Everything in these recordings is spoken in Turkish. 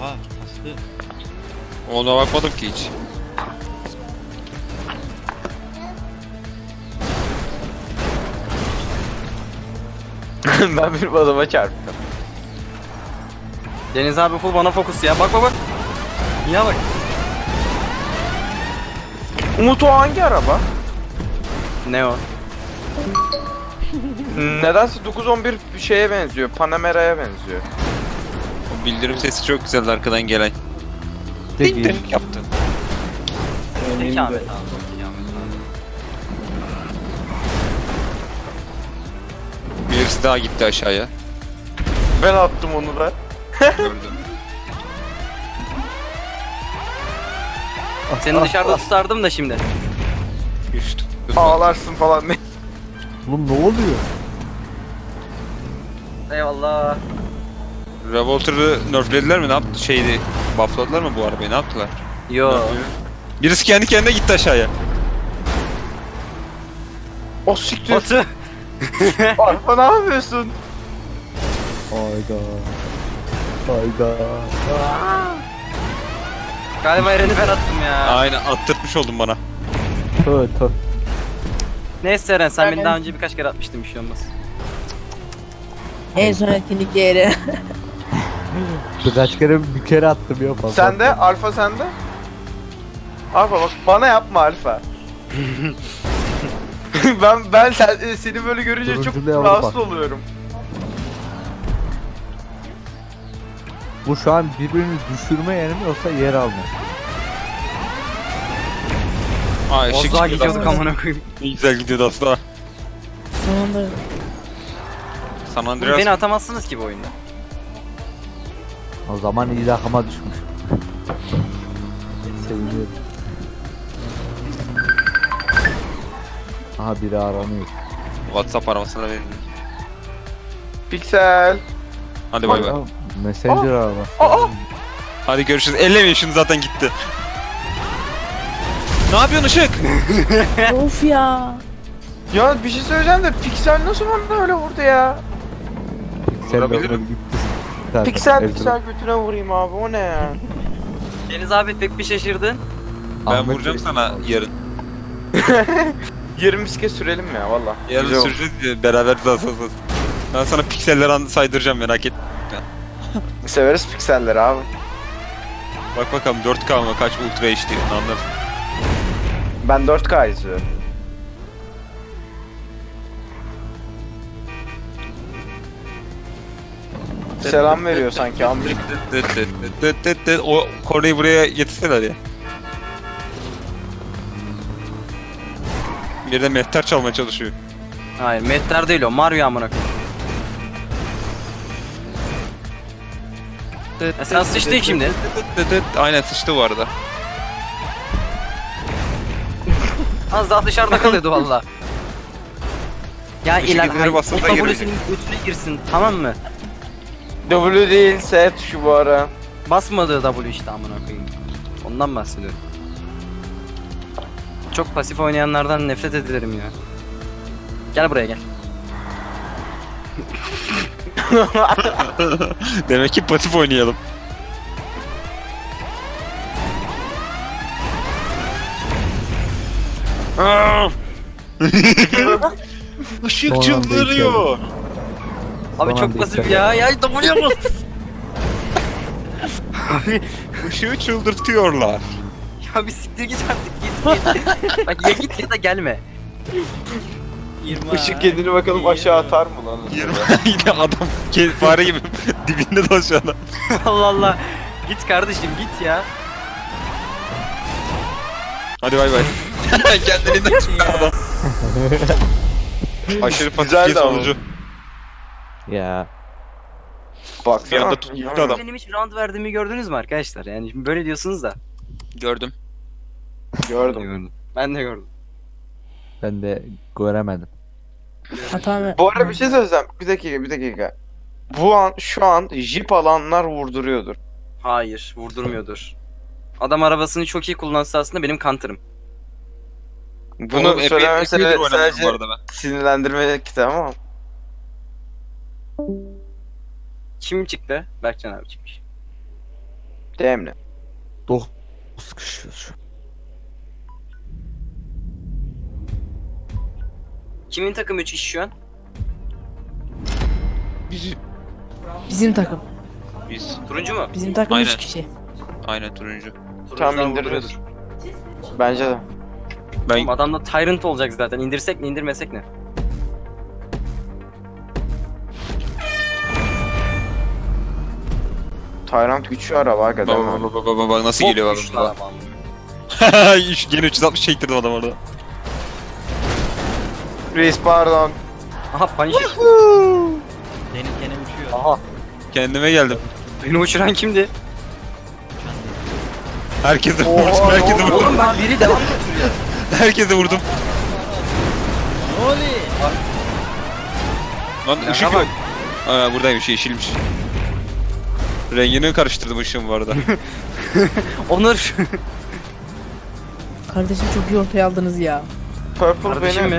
Aa, Aslı. Ona bakmadım ki hiç. Ben bir adama çarptım. Deniz abi full bana fokus ya. Bak bak bak. Ya bak. Umut o hangi araba? Ne o? Nedense 911 bir şeye benziyor. Panamera'ya benziyor. O bildirim sesi çok güzeldi arkadan gelen. Ding ding yaptı. Peki Ahmet abi. Peki Ahmet abi. Birisi daha gitti aşağıya. Ben attım onu da. Gördüm. Seni dışarıda tutardım da şimdi. Düştü. Ağlarsın falan. Oğlum ne oluyor? Eyvallah. Revolter'ı nerflediler mi? Ne yaptı? Şeydi. Buffladılar mı bu arabayı? Ne yaptılar? Yo. Birisi kendi kendine gitti aşağıya. O siktir. Batu. Arpa ne yapıyorsun? Hayda. Hayda. Galiba Eren'i ben attım ya. Aynen attırtmış oldun bana. Tö tö. Neyse Eren sen beni daha önce birkaç kere atmıştın, bir şey olmaz. En sonraki yere. Birkaç kere bir kere attım ya fazla. Sende, Alfa sende. Alfa bak bana yapma Alfa. Seni böyle görünce çok Turunculuğa rahatsız bak. oluyorum. Bu şu an birbirini düşürme yeri mi yoksa yer alma? Ay Az ışık daha çıkıyordu gidiyorduk aslında. amına koyayım. Ne güzel gidiyordu aslında. Sonunda San Andreas. Beni atamazsınız ki bu oyunda. O zaman ilahıma düşmüş. Seviniyorum. Aha biri aranıyor. WhatsApp aramasına verin. Piksel. Hadi bay bay. Aa, Messenger araba. Aa! Hadi görüşürüz. Ellemeyin şunu, zaten gitti. Ne yapıyorsun Işık? of ya. Ya bir şey söyleyeceğim de Piksel nasıl bana öyle vurdu ya? Sen Vurabilirim. böyle gitti. Zaten Piksel evde- piksel götüne vurayım abi o ne ya? Deniz abi pek bir şaşırdın. Ben Ahmet vuracağım Bey- sana yarın. 20 bisiklet sürelim ya valla. Yarın Güzel olur. süreceğiz ya, beraber zasasız. Ben sana pikseller saydıracağım, merak et. Severiz pikselleri abi. Bak bakalım 4K mı kaç Ultra HD anlarız. Ben 4K izliyorum. Selam veriyor sanki amcık. O korneyi buraya getirseler ya. Bir de mehter çalmaya çalışıyor. Hayır, Mehter değil o. Mario amına koyayım. sen sıçtın şimdi. Aynen sıçtı bu arada. Az daha dışarıda kalıyordu valla. Ya Işık ilan, izleri hayır, o basınca geri- W'sinin götüne girsin, tamam mı? W değil S tuşu bu ara. Basmadığı W işte amına koyayım. Ondan bahsediyorum. Çok pasif oynayanlardan nefret ederim ya. Gel buraya gel. Demek ki pasif oynayalım. Işık Son anda çıldırıyor. Abi Tamam, çok pasif bekle. ya. Ya W'ye bas. Abi Işığı çıldırtıyorlar. ya bir siktir git artık, git. Bak ya git ya da gelme. Işık kendini bakalım aşağı atar mı lan? Yine adam fare gibi dibinde dolaşıyor adam. Allah Allah. Git kardeşim git ya. Hadi bay bay. Kendiliğinden çıktı adam. Aşırı Güzeldi pasif ama. sonucu. Ya. Bir Baksana. anda tuttu adam. Benim hiç round verdiğimi gördünüz mü arkadaşlar? Yani şimdi böyle diyorsunuz da. Gördüm. Gördüm. Ben de gördüm. Ben de göremedim. Hatam. Bu arada bir şey söyleyeceğim. Bir dakika. Şu an jip alanlar vurduruyordur. Hayır, vurdurmuyordur. Adam arabasını çok iyi kullansa aslında benim counter'ım. Bunu Oğlum, söylemem epeydir oynadım bu sadece arada ben. sinirlendirme kitabı ama. Kim çıktı? Berkcan abi çıkmış. Demle. Sıkışıyoruz şu an. Kimin takım 3 kişi şu an? Bizim takım. Biz. Turuncu mu? Bizim takım Aynen. 3 kişi. Aynen turuncu. Tamam, Turuncular indiririz. vuruyordur. Bence de. Ben Oğlum adamda Tyrant olacak zaten. İndirsek ne indirmesek ne? Tyrant güçlü araba aga değil mi? bak nasıl Bok geliyor güçlü bak. adam. Gene 360 çektirdim adam orada. Reis pardon. Aha Punisher. Deniz gene uçuyor. Aha. Kendime geldim. Beni uçuran kimdi? Herkese Oha, vurdum, herkese oğlum. vurdum. Oğlum ben biri devam götürüyor. Herkese vurdum. Ne oluyor? Lan ışık yok. Aa buradaymış, yeşilmiş. Rengini karıştırdım ışığım bu arada. Onur. Kardeşim çok iyi ortaya aldınız ya. Purple Kardeşim benim. mi?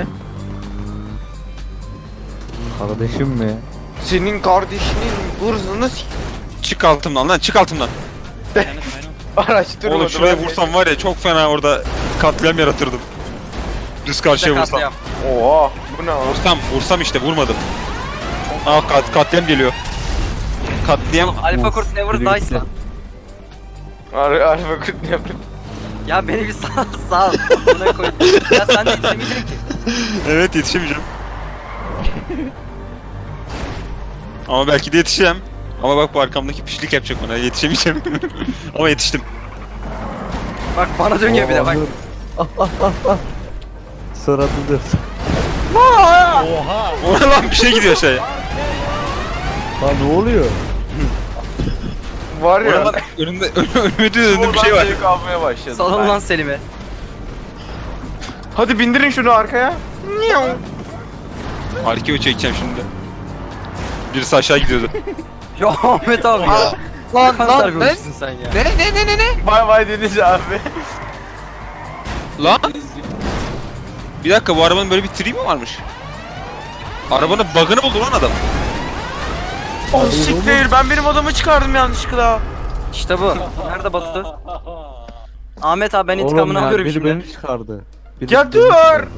Kardeşim mi? Senin kardeşinin hırzını Çık altımdan lan, çık altımdan. araştırmadım. Oğlum şuraya vursam var ya çok fena orada katliam yaratırdım. Düz karşıya vursam. Katliam. Oha. Bu ne lan? Vursam işte vurmadım. Aa katliam geliyor. Katliam. Alpha Kurt never biri dies gitti. lan. Alfa kurt ne yapıyor? Ya beni bir sağ ol. Buna koy. Ya sen de yetişemeyeceksin ki. Evet yetişemeyeceğim. Ama belki de yetişeceğim. Ama bak bu arkamdaki pişlik yapacak bana, yetişemeyeceğim. Ama yetiştim. Bak bana dönüyor bir de bak. Sırada dur. Oha! Ona lan bir şey gidiyor aşağıya. Lan ne oluyor? Var Ona ya. lan önümde döndüm bir şey var. Zevk almaya başladım. Salın lan Selim'e. Hadi bindirin şunu arkaya. Arkeo çekeceğim şimdi. Birisi aşağı gidiyordu. Ya Ahmet abi ya. Lan Kanser görmüşsün sen ya. Ne? Bay bay Deniz abi. Lan? Bir dakika bu arabanın böyle bir tri mi varmış? Arabanın bug'ını buldu lan adam. Oh siktir, ben benim adamı çıkardım yanlışlıkla. İşte bu. Nerede Batu? Ahmet abi ben Oğlum intikamını ya, alıyorum biri şimdi. beni çıkardı. Biri Ya beni dur! çıkardı.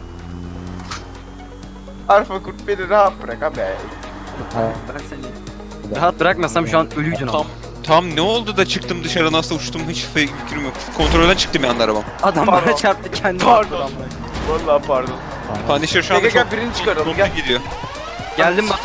Alfa kurt beni rahat bırak abi. Ha, Bırak seni. Rahat bırakmasam şu an ölüydün ama. Tam ne oldu da çıktım dışarı, nasıl uçtum hiç fikrim yok. Kontrolden çıktım yani arabam. Adam Pardon. bana çarptı kendi. Pardon. Vallahi pardon. Punisher şu anda Gel, gel, çok birini çıkaralım, mutlu gel. gidiyor. Geldim Batu.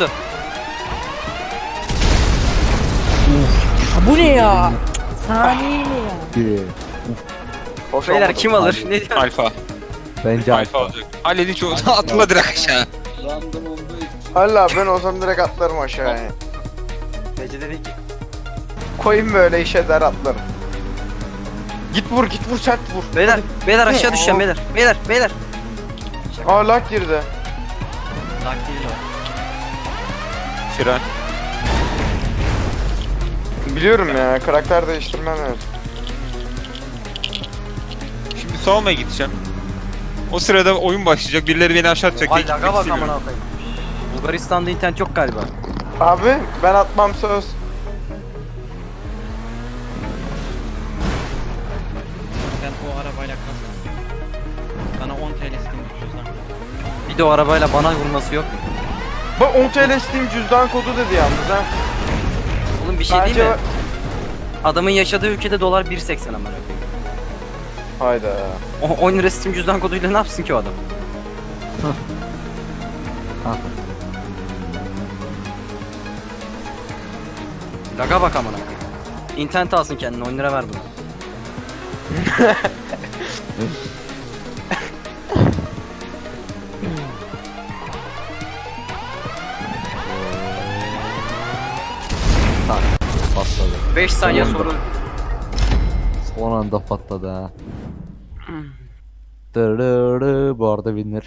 Ha, bu ne ya? Saniye ne ya? biri. Hoş Beyler olmadı. kim alır? Ne diyor? Alfa. Bence Alfa olacak. Halledin çoğu. Atla direkt aşağı. Allah ben olsam direkt atlarım aşağıya. Nece dedi ki. Koyayım böyle işe der atlarım. Git vur sert vur. Beyler, beyler aşağı düşeceğim beyler. Beyler. Aa lag girdi. Lag değil o. Fren. Biliyorum ya, karakter değiştirmem lazım. Şimdi savunmaya gideceğim. O sırada oyun başlayacak. Birileri beni aşağı atacak. Ay Hiç laga bak istemiyorum. amına koyayım. Bulgaristan'da internet yok galiba. Abi ben atmam söz. Ben o arabayla kalsam. Sana 10 TL isteyeyim cüzdan. Bir de o arabayla bana vurması yok. Bak 10 TL Steam cüzdan kodu dedi yalnız ha. Oğlum bir şey Bence- değil mi? Adamın yaşadığı ülkede dolar 1.80 amına koyayım. Hayda. O 10 lira Steam cüzdan koduyla ne yapsın ki o adam? Ha. Laga bak amına koyayım. İnternet alsın kendine 10 lira ver bunu. patladı. 5 saniye sonra Son anda patladı ha. Dırırı, bu arada winner.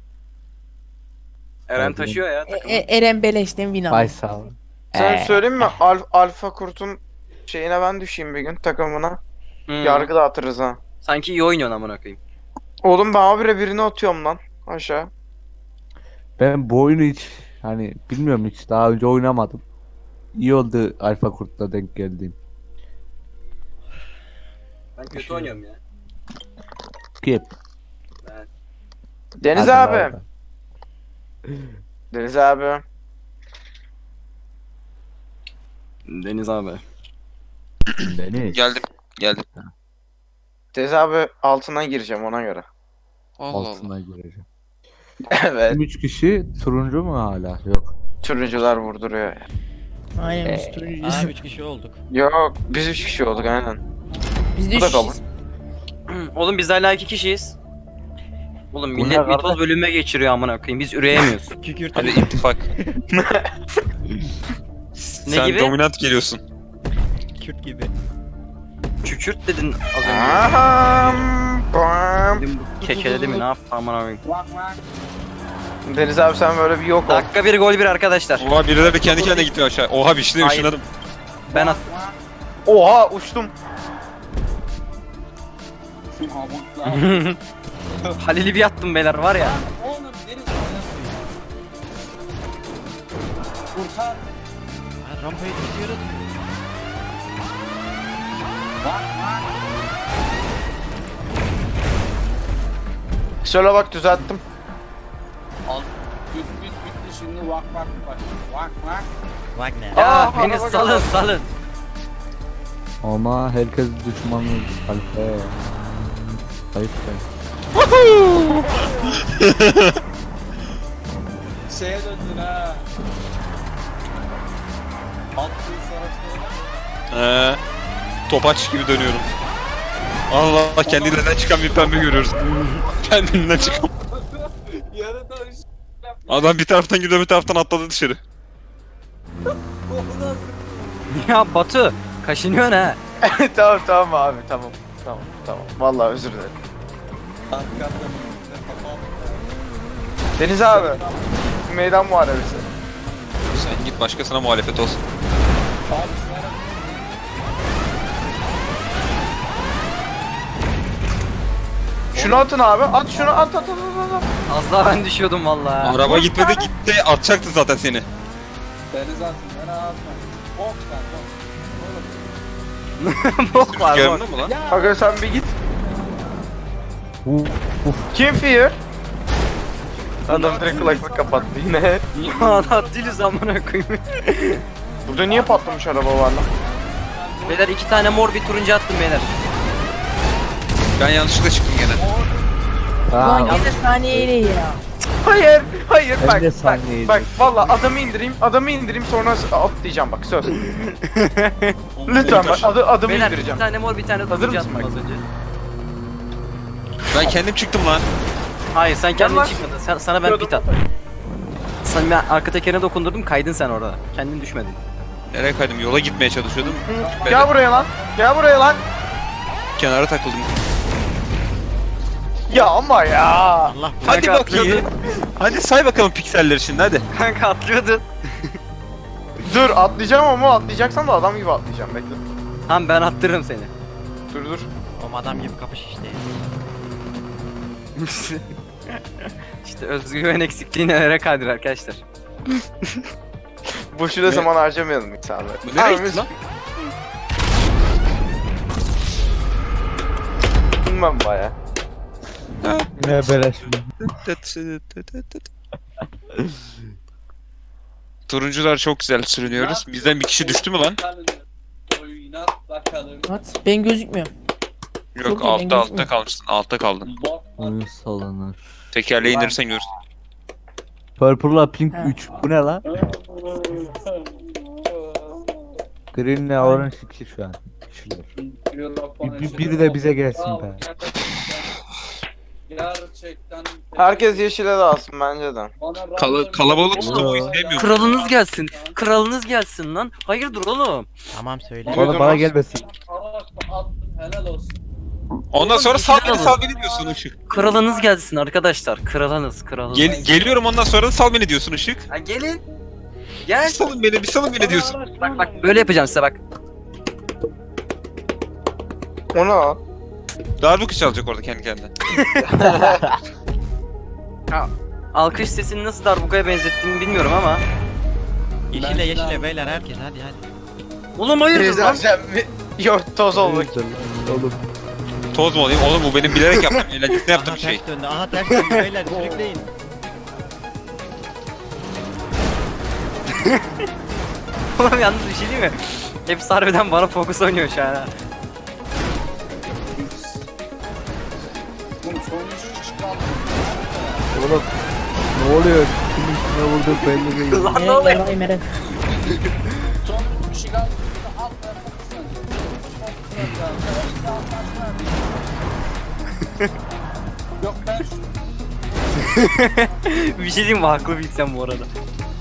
Eren taşıyor ya takımı. Eren Beleş'ten win aldı. Faysal. Sen söyleyeyim mi? Alfa kurtun şeyine ben düşeyim bir gün takımına. Hmm. Yargı dağıtırız ha. Sanki iyi oynuyorsun amına koyayım. Oğlum ben habire birini atıyorum lan aşağı. Ben bu oyunu hiç hani bilmiyorum, hiç daha önce oynamadım. İyi oldu Alfa Kurt'la denk geldiğim. Ben kötü oynuyorum ya. Skip. Deniz Hadi abi. Deniz abi. Deniz abi. Deniz. Geldim. Geldim. Deniz abi altından gireceğim ona göre. Allah Allah. Altına gireceğim. Evet. 3 kişi turuncu mu hala? Yok. Turuncular vurduruyor. Aynen biz turuncuyuz. Aa 3 kişi olduk. Yok biz 3 kişi olduk aynen. Biz de Bu da 3 kabul. kişiyiz. Oğlum biz hala 2 kişiyiz. Oğlum Bu millet ne mitoz kardeş? bölümüme geçiriyor amına koyayım. Biz üreyemiyoruz. Kükürt. Hadi ittifak. Ne Sen gibi? dominant geliyorsun. Kürt gibi. Kükürt dedin az önce. Aham, bam. Dedim bu kekeledi mi ne yaptı amına koyayım. Deniz abi sen böyle bir yok ol. Dakika 1 gol 1 arkadaşlar. Oha birileri kendi kendine gitti aşağı. Oha bir şey Hayır. ışınladım. Ben at. Oha uçtum. Halil'i bir attım beyler var ya. Ha, rampayı tutuyoruz. Şöyle bak düzelttim. Wagner. Ya Aa, beni araba salın geldi. salın. Ama herkes düşmanı Alfe. Ayıp be. Şeye döndün ha. Altın savaşlarına. Topaç gibi dönüyorum. Allah kendiliğinden çıkan bir pembe görüyoruz. Kendiliğinden çıkan. Yarın dönüş. Adam bir taraftan gidiyor bir taraftan atladı dışarı. Ya Batu kaşınıyorsun ha. tamam tamam abi tamam. Tamam. Vallahi özür dilerim. Arkamda Deniz abi. Meydan muharebesi. Sen git başkasına muhalefet olsun. Şunu atın abi. At şunu at. Az daha ben düşüyordum vallahi. Araba gitmedi gitti atacaktı zaten seni. Deniz altın. Ben ağzına. Bok lan bok. Bok var bok. Rüzgarında mı lan? Aga sen bir git. Uf. Kim fear? Adam direkt kulaklık kapattı yine. Ya değiliz amına koyayım. Burada niye patlamış araba var lan? Beyler 2 tane mor bir turuncu attım beyler. Ben yanlışlıkla çıktım gene. Ulan Aa, gene saniyeyle ya. Hayır Ben bak de bak saniyeydim. bak valla adamı indireyim sonra atlayacağım bak söz. Lütfen bak adamı Beyler indireceğim. 2 tane mor bir tane Hazır turuncu mısın attım bak? az önce. Ben kendim çıktım lan. Hayır sen kendin Yalan. çıkmadın. Sana ben pit attım. Sana ben arka tekerine dokundurdum kaydın sen orada. Kendin düşmedin. Nereye kaydım? Yola gitmeye çalışıyordum. Gel buraya lan. Gel buraya lan. Kenara takıldım. Ya ama ya. Allah Hadi Kanka bakayım. Hadi say bakalım pikseller şimdi hadi. Kanka atlıyordun. Dur atlayacağım ama atlayacaksan da adam gibi atlayacağım bekle. Tamam ben attırırım seni. Dur. o adam gibi kapış işte. İşte özgüven eksikliği nelere kadir arkadaşlar. Boşuna zaman harcamayalım insanlar. Bu nereye Abi, gitti lan? Bilmem baya. ne beleş mi? Turuncular çok güzel sürünüyoruz. Bizden bir kişi düştü mü lan? Oynat bakalım. At ben gözükmüyorum. Yok Çok iyi, ben altta gözükmüyorum. kalmışsın. Altta kaldın. Bok lan. Oyun salınır. Tekerleği indirirsen görürsün. Purple'la Pink Ha. 3. Bu ne lan? Green'le Orange 2 şu an. Kişiler. Biri de bize gelsin be. Gerçekten. Herkes yeşile dağılsın bence de. Kalabalık tutamayı sevmiyorum. Kralınız gelsin. Kralınız gelsin lan. Hayırdır oğlum? Tamam söyle. Bana gelmesin. Helal olsun. Ondan sonra sal beni diyorsun Işık. Kralınız gelsin arkadaşlar. Kralınız. Geliyorum ondan sonra da sal beni diyorsun Işık. Ha, gelin. Bir Gel. salın beni diyorsun. Bak böyle yapacağım size bak. O ne lan? Darbuka çalacak orada kendi kendine. Alkış sesini nasıl darbukaya benzettiğimi bilmiyorum ama. Yeşile beyler herkes hadi. Oğlum hayırdır lan? Sen bir... Yok toz olduk. Oğlum. toz mu olayım? Oğlum bu benim bilerek yaptığım, eğlencesine yaptığım Aha bir şey. ters döndü. Aha ters döndü beyler sürükleyin. Oğlum yalnız bir şey değil mi? Hepsi harbiden bana fokus oynuyor şu an ha. Oğlum sonuncu çıkalım. Oğlum ne oluyor? Kimin kime vurduk belli değil. Lan ne Eren oluyor? yarayım Eren. Sonuncu kişi kaldı. Alt yapmışsın. Yok ben Bir şey diyeyim mi? Haklı bilsem bu arada.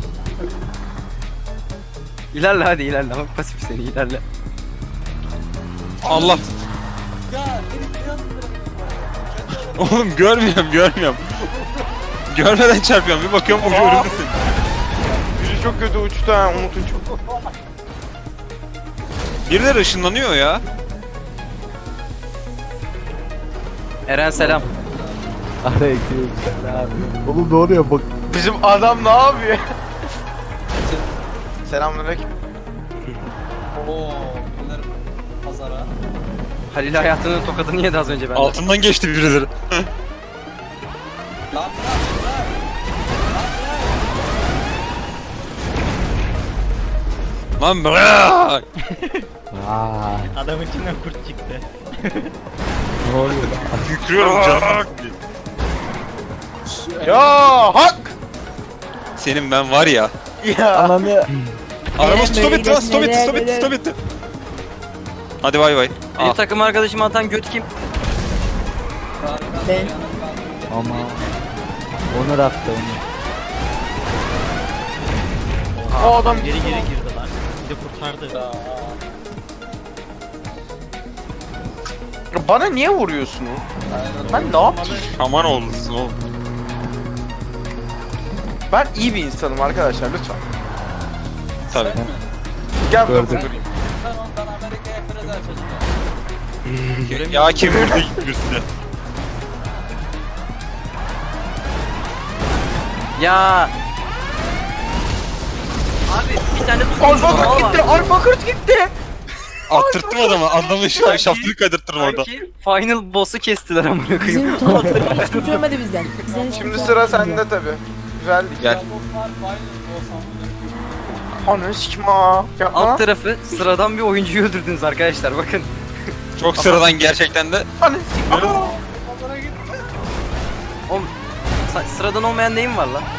İlerle hadi ilerle. Bak pasif seni ilerle. Allah. ya herif biraz Oğlum görmüyorum. Görmeden çarpıyorum. Bir bakıyorum ucu önümdesin. Biri çok kötü uçtu ha Umut'un çok. Birileri ışınlanıyor ya. Eren selam. Aleykümselam. Oğlum ne oluyor bak. Bizim adam ne yapıyor? Selamünaleyküm. Ooo bunlar pazara. Halil hayatının tokadını yedi az önce benden. Altından geçti birileri. Lan Lan bırak. Aa, Adamın içinden kurt çıktı. ne oluyor lan? Yükrüyorum canım. Ya hak! Senin ben var ya. Ya. Ananı. Araba stop etti lan, Nereye, stop etti, stop nereye, etti, stop etti. Hadi bay bay. Benim takım arkadaşım atan göt kim? Ben. Ama. Onur attı onu. O adam Geri girdi lan. Bir de kurtardı. bana niye vuruyorsun? Ben ne yaptım? Aman olsun oğlum. Ben iyi bir insanım arkadaşlar lütfen. Tabii. Gel Gördüm. dokundurayım. sen ondan Amerika'ya kredi açacağım. Ya kim vurdu birisine? Ya. Abi bir tane Alfa kurt gitti, alfa kurt gitti. Attırttım adamı, adamı şaftını kaydırttırdım orada. Sanki final boss'u kestiler amına koyayım. Bizim taraftarımız hiç kurtulamadı bizden. Bizden hiç Şimdi kurtulamadı. sıra sende tabi. Güzeldi. Gel. Var final olsam. Ananı sikim ha. Yapma. Alt tarafı sıradan bir oyuncuyu öldürdünüz arkadaşlar bakın. Çok sıradan gerçekten de. Ananı sikim. Aa! Pazara git. Oğlum sıradan olmayan neyim var lan?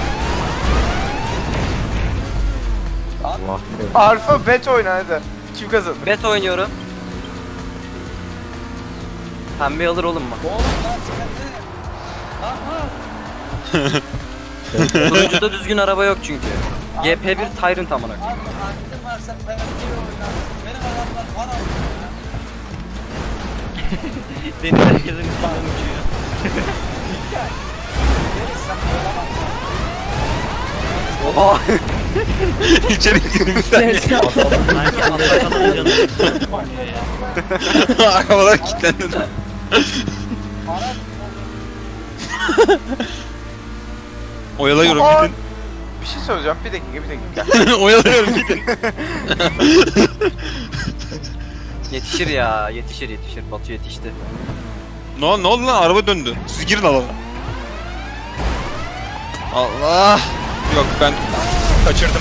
Allah be. Alfa bet oyna hadi. Kim kazanır? Bet oynuyorum. Pembe alır oğlum bak. Oğlum lan sen de. Turuncuda düzgün araba yok çünkü. GP1 Tyrant amına koyayım. Abi aklın varsa penaltı oynarsın. Benim adamlar var abi. Deniz herkesin üstünden uçuyor. Oha! İçeri girdim bir saniye. Sanki atlatanın canı. Arabalar kilitlendi. Oyalıyorum Aa! gidin. Bir şey söyleyeceğim. Bir dakika. Oyalıyorum gidin. Yetişir ya, yetişir. Batu yetişti. Ne oldu lan, araba döndü. Siz girin alana. Allah. Yok ben kaçırdım.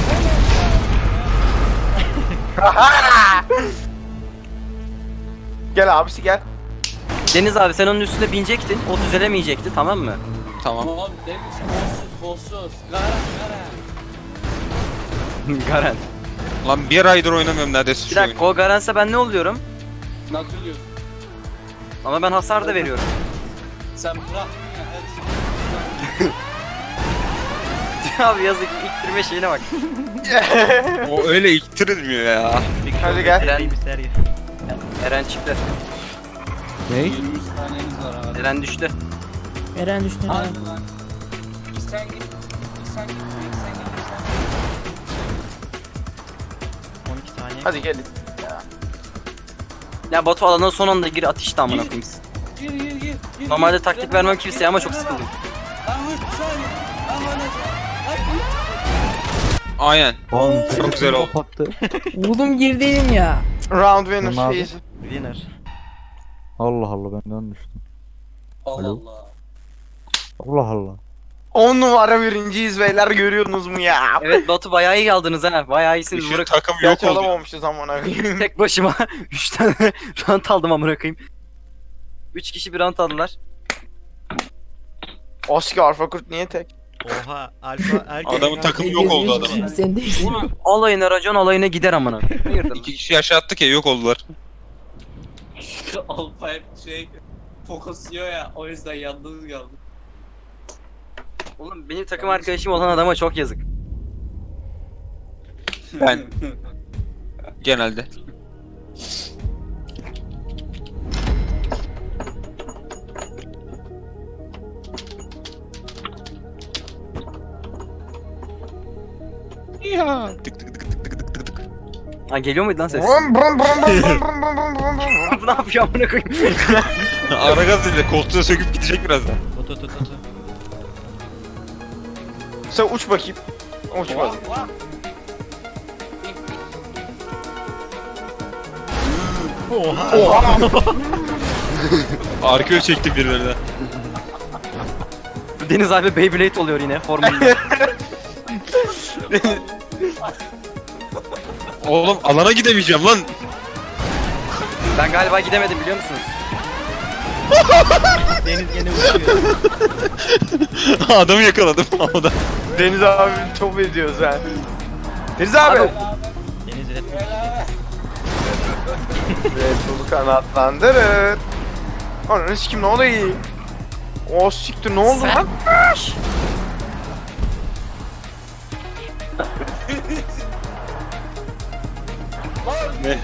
Gel abisi gel. Deniz abi sen onun üstüne binecektin, o düzelemeyecekti tamam mı? Tamam. Oğlum deniz bossuz. Garan. Garen. Lan bir aydır oynamıyorum neredeyse Bir şu oyunu. dakika o Garen'se ben ne oluyorum? Nasıl diyorsun? Ama ben hasar da veriyorum. Sen bırak ya. Abi yazık ittirme şeyine bak. O öyle iktirilmiyor ya. Hadi gel. Eren bir sergi. Eren çıktı. Ne? 23 taneniz var abi. Eren düştü. Eren düştü. Hadi lan. Sen git. Sen git. 12 saniye. Hadi gelin. Ya Batu alana son anda gir at işte amına koyayım. Gir. Normalde taktik vermem kimseye ama çok sıkıldım. Lan vur saniye. Lan öyle. Aynen. Oğlum Çok güzel oldu. kapattı. Oğlum girdiydim ya. Round winner Tamam abi. easy. Winner. Allah Allah ben dönmüştüm. Allah Alo. Allah. Allah Allah. 10 numara birinciyiz beyler, görüyorsunuz mu ya? Evet Batu bayağı iyi aldınız ha. Bayağı iyisiniz. Işın Bırak. takım yok Gerçi oldu. alamamışız amına koyayım. Tek başıma 3 tane rant aldım amına koyayım. 3 kişi bir rant aldılar. Oski Arfakurt niye tek? Oha alfa erkek. Adamın takımı yok oldu adamın. Sen de Alayına racon alayına gider amına. Hayırdır? 2 kişi aşağı attık ya yok oldular. Alfa hep şey fokusluyor ya, o yüzden yalnız kaldı. Oğlum benim takım arkadaşım olan adama çok yazık. Ben genelde. Ya tık tık tık tık tık tık tık tık. Ha geliyor muydu lan ses? Brum brum brum brum brum brum brum brum brum. Bu ne yapıyor amına koyayım? Ara gaz ile koltuğa söküp gidecek birazdan. Oto oto oto. Sen uç bakayım. Uçmadı. Oha. Oha. Arkaya çektik birilerine. Deniz abi Beyblade oluyor yine formunda. Oğlum alana gidemeyeceğim lan. Ben galiba gidemedim biliyor musunuz? Deniz gene uçuyor. Adamı yakaladım havada. Deniz abi top ediyoruz ha. Deniz abi. Abi- Deniz Red Bull. Red Bull'u kanatlandırır. Ananı sikim ne oluyor? O siktir ne oldu lan? Ne?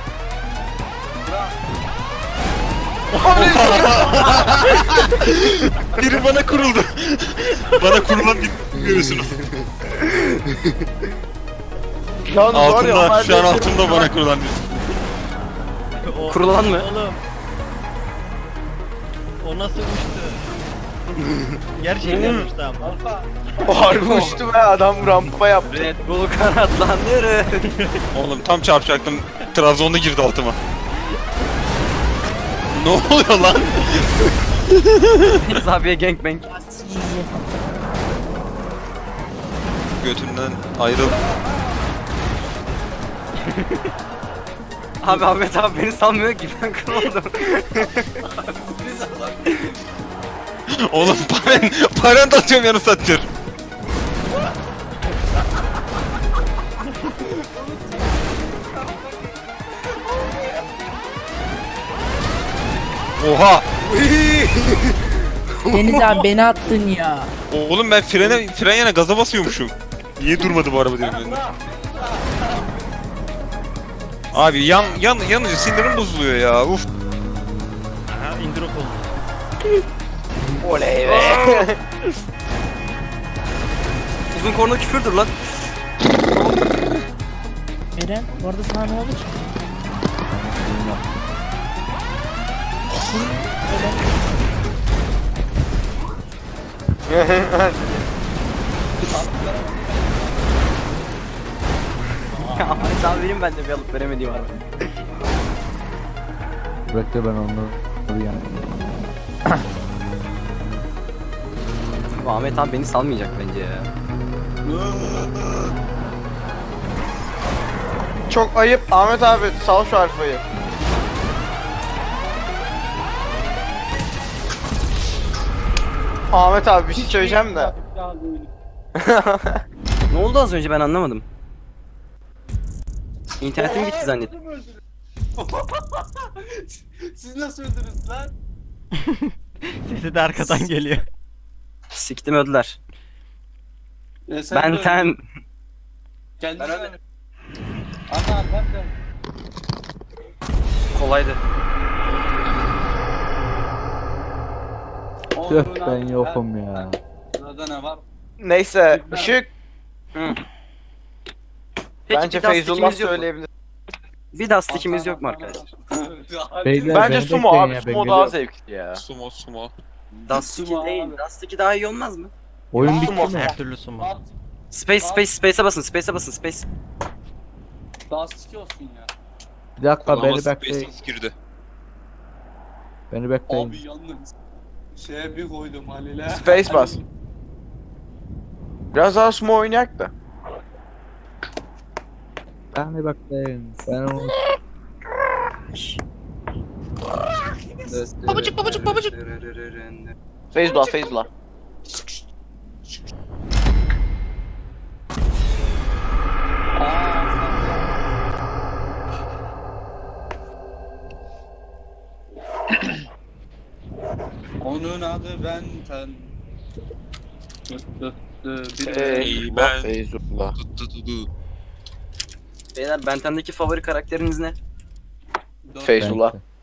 Biri bana kuruldu. Bana kurulan bir görüyorsunuz. Yalnız var ya, Altında, Ömer şu an Bey- altında bana kurulan bir. O- Kurulan mı? Oğlum. O nasıl uçtu? Gerçekten uçtu ama. Alfa. O harbi uçtu be, adam rampa yaptı. Red Bull kanatlandırır. Oğlum tam çarpacaktım. Trabzon'da girdi altıma. Ne oluyor lan? Deniz abiye gangbang. Götümden ayrıl. Abi Ahmet abi beni sanmıyor ki ben kırıldım. Oğlum paran da atıyorum yanı satıyor. Oha! Deniz abi beni attın ya. Oğlum ben fren yana gaza basıyormuşum. Niye durmadı bu araba diyorum ben de. Abi yanınca sinirim bozuluyor ya. Uf. Aha indir o kolunu. Oley be. Uzun korna küfürdür lan. Eren bu arada sana ne oldu ki? Ahmet abi benim ben de bir alıp veremediğim abi. Bekle ben onu yani. Bu Ahmet abi beni salmayacak bence ya. Çok ayıp Ahmet abi, sal şu alfayı. Ahmet abi bir şey söyleyeceğim de. Ne oldu az önce ben anlamadım. İnternetim gitti zannettim. Siz nasıl öldünüz lan? Sesi de arkadan geliyor. Siktim öldüler. Sen de öldün. Benten. Kendisi Ben ölmedim. Ana bak da. Kolaydı. Tüh ben yokum ya. Sırada ne var? Neyse ışık. Hı. Peki Bence bir daha Feyzullah stickimiz yok mu? söyleyebilir. Bir daha stickimiz yok mu arkadaşlar? Beyler, Bence beni sumo bekleyin abi, ya, ben sumo daha geliyorum. zevkli ya. Sumo. Dust 2 Sumo değil. abi. Dust 2 daha iyi olmaz mı? Oyun bitti Sumo. mi? Her türlü sumo. Space'e basın, space'e basın, space. Dust 2 olsun ya. Bir dakika Ama beni Space bekleyin. girdi. Beni bekleyin. Abi yalnız şeye bir koydum Halil'e. Space bas. Biraz daha sumo oynayak da. Beni bekleyin. Ben onu... Babacık, babacık, babacık. Feyzullah, Feyzullah. Onun adı Benten. Feyzullah, Feyzullah. Beyler Benten'deki favori karakteriniz ne? Feyzullah. Ben-